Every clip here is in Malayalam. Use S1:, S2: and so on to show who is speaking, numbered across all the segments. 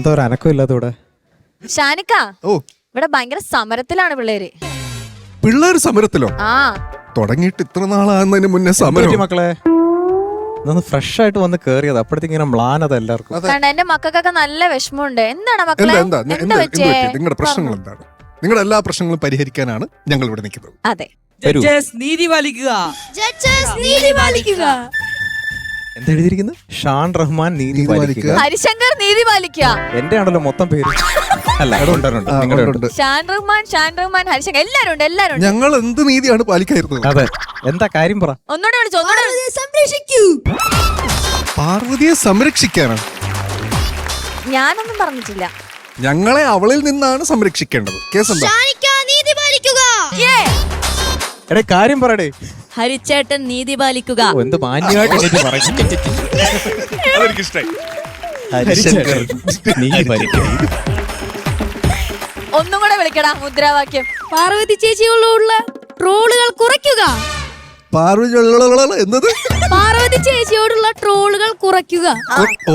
S1: എന്താ ഒരു അനക്കമില്ലാത്ത ഇവിടെ?
S2: ഷാനിക്ക,
S3: ഓ,
S2: ഇവിടെ ഭയങ്കര സമരത്തിലാണ് പിള്ളേര്.
S3: പിള്ളേർ സമരത്തിലോ?
S2: ആ,
S3: തുടങ്ങിയിട്ട് ഇത്ര നാളാകുന്നതിന് മുന്നേ സമരം.
S1: മക്കളെ ഫ്രഷ് ആയിട്ട് വന്ന് കേറിയത് അപ്പോഴത്തേക്ക് ഇങ്ങനെ മ്ലാനത എല്ലാവർക്കും.
S2: കാരണം എന്റെ മക്കൾക്കൊക്കെ നല്ല വിഷമമുണ്ട്. എന്താണ്
S3: എന്താ
S2: മക്കളെ?
S3: എന്താ
S2: എന്താ
S3: എന്താ
S2: വെച്ചേ?
S3: നിങ്ങളുടെ പ്രശ്നങ്ങൾ എന്താണ്? നിങ്ങളുടെ എല്ലാ പ്രശ്നങ്ങളും പരിഹരിക്കാനാണ് ഞങ്ങൾ ഇവിടെ നിൽക്കുന്നത്.
S2: അതെ,
S4: നീതി പാലിക്കുക.
S1: എന്താ എഴുതിയിരിക്കുന്നത്? ഷാൻ റഹ്മാൻ നീതി പാലിക്കുക.
S2: ഹരിശങ്കർ നീതി പാലിക്കുക.
S1: എന്റെ ആണല്ലോ മൊത്തം പേര്. അല്ല,
S3: ഉണ്ട്.
S2: ഷാൻ റഹ്മാൻ, ഹരിശങ്കർ എല്ലാരും ഉണ്ട്.
S3: ഞങ്ങൾ എന്ത് നീതിയാണ് പാലിക്കായിരുന്നത്?
S1: അതെ, എന്താ കാര്യം പറ.
S2: ഒന്നുകൂടെ വിളിച്ചു.
S5: സംരക്ഷിക്കൂ.
S3: പാർവതിയെ സംരക്ഷിക്കാനാണ്.
S2: ഞാനൊന്നും പറഞ്ഞിട്ടില്ല.
S3: ഞങ്ങളെ അവളിൽ നിന്നാണ് സംരക്ഷിക്കേണ്ടത്. കേസ് എന്താ?
S5: നീതി പാലിക്കുക.
S1: എടേ കാര്യം പറയടേ.
S5: ഹരിച്ചേട്ടൻ നീതി പാലിക്കുക.
S1: എന്ത് മാന്യമായിട്ട് എനിക്ക് പറയും. ഹരിശങ്കർ നീതി പാലിക്കുക.
S2: ഒന്നും കൂടെ വിളിക്കടാ മുദ്രാവാക്യം.
S5: പാർവതി ചേച്ചിയോടുള്ള ട്രോളുകൾ കുറയ്ക്കുക.
S3: എന്നത്?
S5: പാർവതി ചേച്ചിയോടുള്ള ട്രോളുകൾ കുറയ്ക്കുക.
S3: ഓ,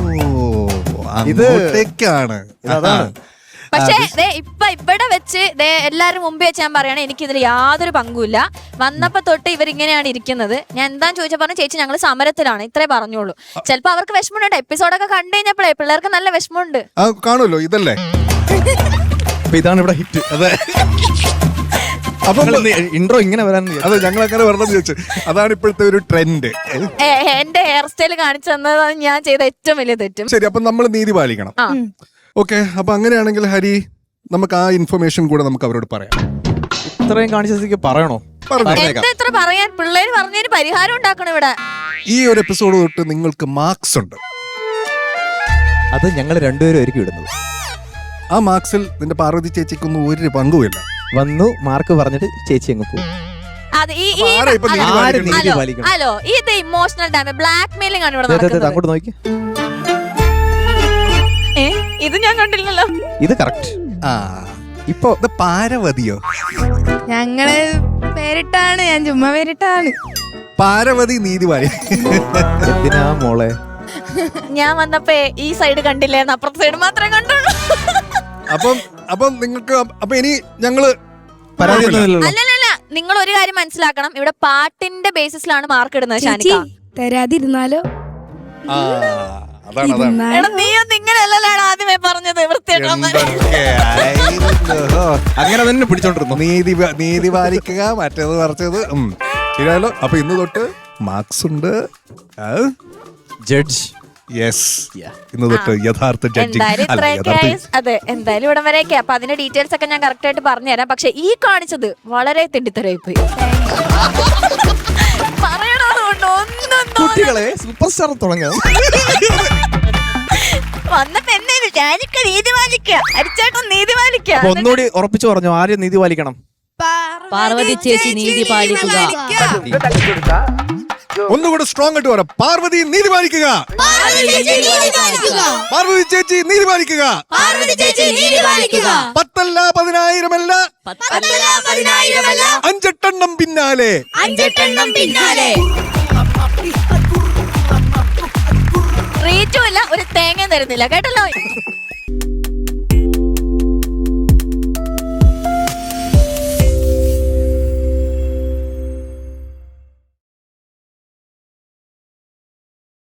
S3: ഇതൊക്കെയാണ്.
S2: പക്ഷേ ഇപ്പൊ ഇവിടെ വെച്ച് എല്ലാരും മുമ്പേ വെച്ച് ഞാൻ പറയണേ, എനിക്കിതിൽ യാതൊരു പങ്കുമില്ല. വന്നപ്പോ തൊട്ട് ഇവരിങ്ങനെയാണ് ഇരിക്കുന്നത്. ഞാൻ എന്താന്ന് ചോദിച്ചാൽ പറഞ്ഞു, ചേച്ചി ഞങ്ങൾ സമരത്തിലാണ്, ഇത്രേ പറഞ്ഞോളൂ. ചിലപ്പോ അവർക്ക് വിഷമമുണ്ട്. എപ്പിസോഡൊക്കെ കണ്ടു കഴിഞ്ഞപ്പോഴേ പിള്ളേർക്ക് നല്ല വിഷമമുണ്ട്.
S3: കാണുമല്ലോ, ഇതല്ലേ
S1: ഇതാണ് ഇവിടെ ഹിറ്റ്.
S3: അതെ, അപ്പൊ
S1: ഇൻട്രോ ഇങ്ങനെ വരാൻ.
S3: അതെ, ഞങ്ങൾ അങ്ങനെ വരണം ചോദിച്ചു. അതാണ് ഇപ്പോഴത്തെ ഒരു ട്രെൻഡ്.
S2: എന്റെ ഹെയർ സ്റ്റൈൽ കാണിച്ചു തന്നതാണ് ഞാൻ ചെയ്ത ഏറ്റവും വലിയ തെറ്റും.
S3: ശരി, അപ്പൊ നമ്മൾ നീതി പാലിക്കണം. ഓക്കെ, അപ്പൊ അങ്ങനെയാണെങ്കിൽ ഹരി, നമുക്ക് ആ ഇൻഫർമേഷൻ കൂടെ നമുക്ക് അവരോട് പറയാം.
S1: ഇത്രയും കാണിച്ചതിക്ക് പറയണോ?
S2: എന്താ ഇത്ര പറയാൻ? പിള്ളേര് പറഞ്ഞതിന് പരിഹാരം ഉണ്ടാക്കണം ഇവിടെ.
S3: ഈ ഒരു എപ്പിസോഡ് തൊട്ട് നിങ്ങൾക്ക് മാർക്സ് ഉണ്ട്.
S1: അത് ഞങ്ങൾ രണ്ടുപേരും ഒരുക്കി വിടുന്നത്.
S3: ആ മാർക്സിൽ നിന്റെ പാർവതി ചേച്ചിക്കൊന്നും ഒരു പങ്കുമില്ല.
S1: വന്നു മാർക്ക് പറഞ്ഞിട്ട് ചേച്ചി അങ്ങ് പോകും.
S2: ഹലോ, ഇത് ഇമോഷണൽ ഡാമേജ്, ബ്ലാക്ക് മെയിലിംഗ് ആണ് ഇവിടെ നടക്കുന്നത്.
S1: അങ്ങോട്ട് നോക്കി.
S2: ഇത് ഞാൻ കണ്ടില്ലല്ലോ.
S1: ഇത് കറക്റ്റ്.
S3: ഇപ്പൊ പാരവതിയോ?
S5: ഞങ്ങള് പേരിട്ടാണ്, ഞാൻ ചുമ്മാ പേരിട്ടാണ്.
S3: പാരവതി നീതി പാലിക്കുക.
S1: എന്തിനാ മോളെ?
S2: ഞാൻ വന്നപ്പോ ഈ സൈഡ് കണ്ടില്ലായിരുന്നു, അപ്പുറത്തെ സൈഡ് മാത്രമേ കണ്ടുള്ളൂ.
S3: അപ്പം നിങ്ങൾക്ക് അപ്പൊ ഇനി ഞങ്ങള്
S2: അല്ലല്ല, നിങ്ങൾ ഒരു കാര്യം മനസ്സിലാക്കണം, ഇവിടെ പാട്ടിന്റെ ബേസിസിലാണ് മാർക്ക് ഇടുന്നത്. ഷാനിക്ക
S5: തരാതിരുന്നാലോ?
S2: നീയൊന്നും ഇങ്ങനെയല്ലല്ലോ ആദ്യമേ പറഞ്ഞത്.
S1: അങ്ങനെ തന്നെ പിടിച്ചോണ്ടിരുന്നു.
S3: നീതി പാലിക്കുക, മറ്റേത് പറിച്ചത് ശരിയല്ലോ. അപ്പൊ ഇന്ന് തൊട്ട് മാർക്സ് ഉണ്ട്.
S1: ജഡ്ജ്.
S3: യെസ്, ഇന്ന് തൊട്ട് യഥാർത്ഥ ജഡ്ജിങ്.
S2: അതെ, എന്തായാലും ഇവിടം വരെയൊക്കെ. അപ്പൊ അതിന്റെ ഡീറ്റെയിൽസ് ഒക്കെ ഞാൻ കറക്റ്റ് ആയിട്ട് പറഞ്ഞുതരാം. പക്ഷെ ഈ കാണിച്ചത് വളരെ തെണ്ടിത്തരായി പോയി.
S1: കുട്ടികളെ സൂപ്പർ സ്റ്റാർ തുടങ്ങാം.
S2: വന്നപ്പോ എന്നെ നീതി പാലിക്കുക, അരിച്ചേട്ടൻ നീതി പാലിക്കുക.
S1: ഒന്നുകൂടി ഉറപ്പിച്ചു പറഞ്ഞു, ആരും നീതി പാലിക്കണം.
S5: പാർവതി ചേച്ചി നീതി പാലിക്കുക.
S3: ഒന്നുകൂടെ സ്ട്രോങ് ആയിട്ട് പറയാം. പാർവതി നീതി പാലിക്കുക. പാർവതി ചേച്ചി നീതി പാലിക്കുക. 10 അല്ല 10,000 അല്ല 5 പിന്നാലെ.
S2: റേറ്റും ഇല്ല, ഒരു തേങ്ങ തരുന്നില്ല കേട്ടല്ലോ.